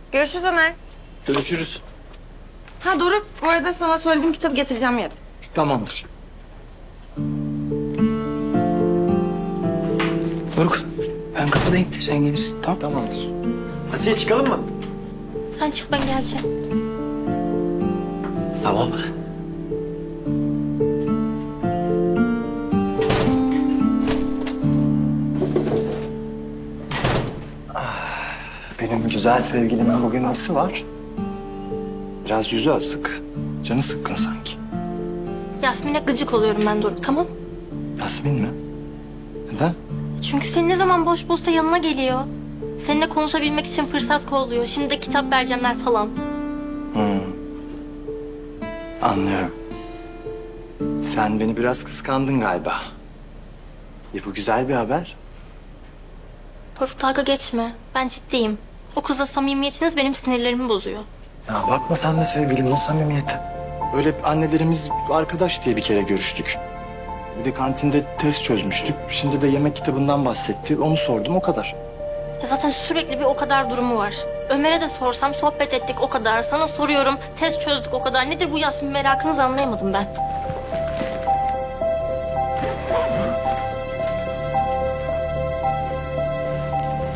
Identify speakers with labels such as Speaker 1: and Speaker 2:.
Speaker 1: Görüşürüz Ömer.
Speaker 2: Görüşürüz.
Speaker 1: Ha Doruk, bu arada sana söylediğim kitabı getireceğim yarın.
Speaker 2: Tamamdır. Doruk, ben kapıdayım. Sen gelirsin, tamam? Tamamdır. Asiye çıkalım mı?
Speaker 3: Sen çık, ben geleceğim.
Speaker 2: Tamam. Benim güzel sevgilimin bugün nesi var? Biraz yüzü asık. Canı sıkkın sanki.
Speaker 3: Yasmin'e gıcık oluyorum ben Doruk, tamam?
Speaker 2: Yasmin mi? Neden?
Speaker 3: Çünkü senin ne zaman boş boşsa yanına geliyor. Seninle konuşabilmek için fırsat kolluyor. Şimdi de kitap vereceğimler falan.
Speaker 2: Anlıyorum. Sen beni biraz kıskandın galiba. Bu güzel bir haber.
Speaker 3: Doruk dalga geçme. Ben ciddiyim. O kızla samimiyetiniz benim sinirlerimi bozuyor.
Speaker 2: Ya bakma sen de sevgilim, o samimiyeti. Öyle annelerimiz arkadaş diye bir kere görüştük. Bir de kantinde test çözmüştük. Şimdi de yemek kitabından bahsetti. Onu sordum, o kadar.
Speaker 3: Ya zaten sürekli bir o kadar durumu var. Ömer'e de sorsam sohbet ettik o kadar. Sana soruyorum test çözdük o kadar. Nedir bu Yasmin merakınızı anlayamadım ben.